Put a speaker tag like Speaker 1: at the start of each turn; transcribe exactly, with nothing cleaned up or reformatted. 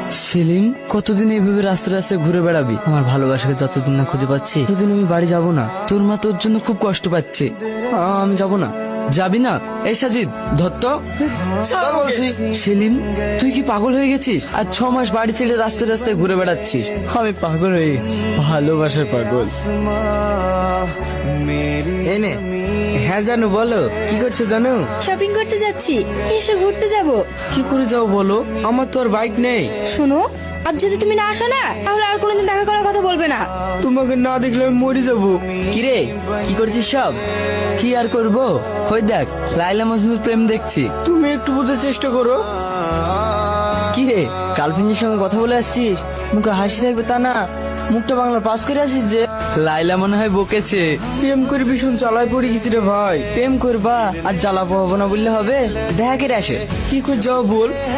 Speaker 1: সেলিম, কতদিন এইভাবে রাস্তায় রাস্তায় ঘুরে বেড়াবি? আমার ভালোবাসাকে যতদিন না খুঁজে পাচ্ছি ততদিন আমি বাড়ি যাব না। তোর মা তোর জন্য খুব কষ্ট পাচ্ছে। আ, আমি যাব না। যাবি না? এই সাজিদ, ধত্ত সেলিম, তুই কি পাগল হয়ে গেছিস? আর ছ মাস বাড়ি ছেড়ে রাস্তায় রাস্তায় ঘুরে বেড়াচ্ছিস।
Speaker 2: আমি পাগল হয়ে গেছি, ভালোবাসার পাগল। এনে হ্যাঁ জানো, বলো কি করছো জানো?
Speaker 3: শপিং করতে যাচ্ছি, এসে ঘুরতে যাব।
Speaker 2: কি করে যাও বলো? আমার তো আর বাইক নেই।
Speaker 3: শোনো, আর যদি তুমি না আসো না তাহলে আর কোনোদিন দেখা করার কথা বলবে না।
Speaker 2: তোমাকে না দেখলে আমি মরে যাবো।
Speaker 1: কিরে, কি করছিস সব? কি আর করব, ওই দেখ লাইলা মজনুর প্রেম দেখছি।
Speaker 2: তুমি একটু বোঝার চেষ্টা করো।
Speaker 1: কিরে, গার্লফ্রেন্ডের সঙ্গে কথা বলে আসছিস? মুখে হাসি থাকবে তা না, মুখটা বাংলা পাস করে আসিস যে। লাইলা মনে হয় বকেছে।
Speaker 2: প্রেম করে ভীষণ চালায় পড়ে গেছি রে ভাই।
Speaker 1: প্রেম করবা আর জ্বালাপো হবো না বললে হবে? দেখা করে আসে।
Speaker 2: কি করে যাও বল।